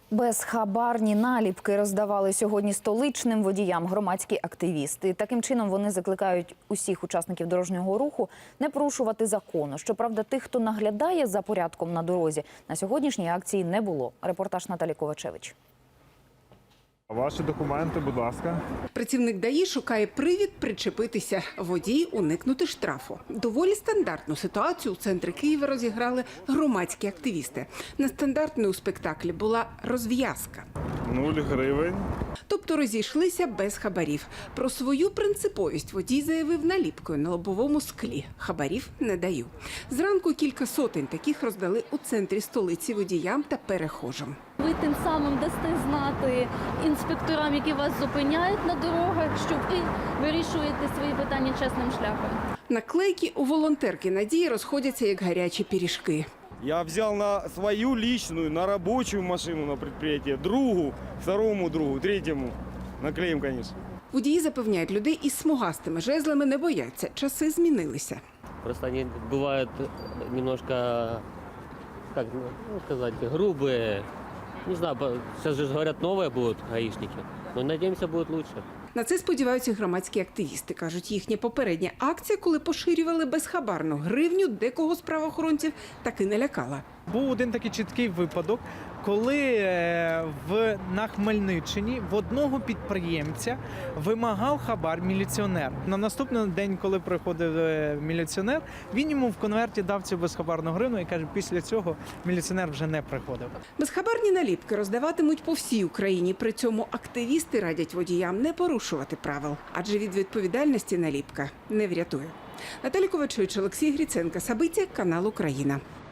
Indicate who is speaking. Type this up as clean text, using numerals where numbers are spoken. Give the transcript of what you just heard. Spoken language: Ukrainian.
Speaker 1: Безхабарні наліпки роздавали сьогодні столичним водіям громадські активісти. Таким чином вони закликають усіх учасників дорожнього руху не порушувати закону. Щоправда, тих, хто наглядає за порядком на дорозі, на сьогоднішній акції не було. Репортаж Наталі Ковачевич.
Speaker 2: Ваші документи, будь ласка.
Speaker 3: Працівник ДАІ шукає привід причепитися. Водій уникнути штрафу. Доволі стандартну ситуацію у центрі Києва розіграли громадські активісти. Нестандартною у спектаклі була розв'язка.
Speaker 2: 0 гривень.
Speaker 3: Тобто розійшлися без хабарів. Про свою принциповість водій заявив наліпкою на лобовому склі. Хабарів не даю. Зранку кілька сотень таких роздали у центрі столиці водіям та перехожим.
Speaker 4: Ви тим самим дасте знати інспекторам, які вас зупиняють на дорогах, що ви вирішуєте свої питання чесним шляхом.
Speaker 3: Наклейки у волонтерки Надії розходяться як гарячі пиріжки.
Speaker 5: Я взял на свою личную, на рабочую машину на предприятие, другу, второму другу, третьему. Наклеим, конечно.
Speaker 3: Водії запевняють, людей із смугастими жезлами не бояться. Часи змінилися.
Speaker 6: Просто они бывают немножко, как сказать, грубые. Не знаю, сейчас же говорят, новые будут гаишники. Но надеемся, будет лучше.
Speaker 3: На це сподіваються громадські активісти. Кажуть, їхня попередня акція, коли поширювали безхабарну гривню, декого з правоохоронців таки не лякала.
Speaker 7: Був один такий чіткий випадок, коли на Хмельниччині в одного підприємця вимагав хабар міліціонер. На наступний день, коли приходив міліціонер, він йому в конверті дав цю безхабарну гривну і каже, після цього міліціонер вже не приходив.
Speaker 3: Безхабарні наліпки роздаватимуть по всій Україні. При цьому активісти радять водіям не порушувати правил, адже від відповідальності наліпка не врятує. Наталі Ковачевич, Олексій Гриценко, Сабиття, канал Україна.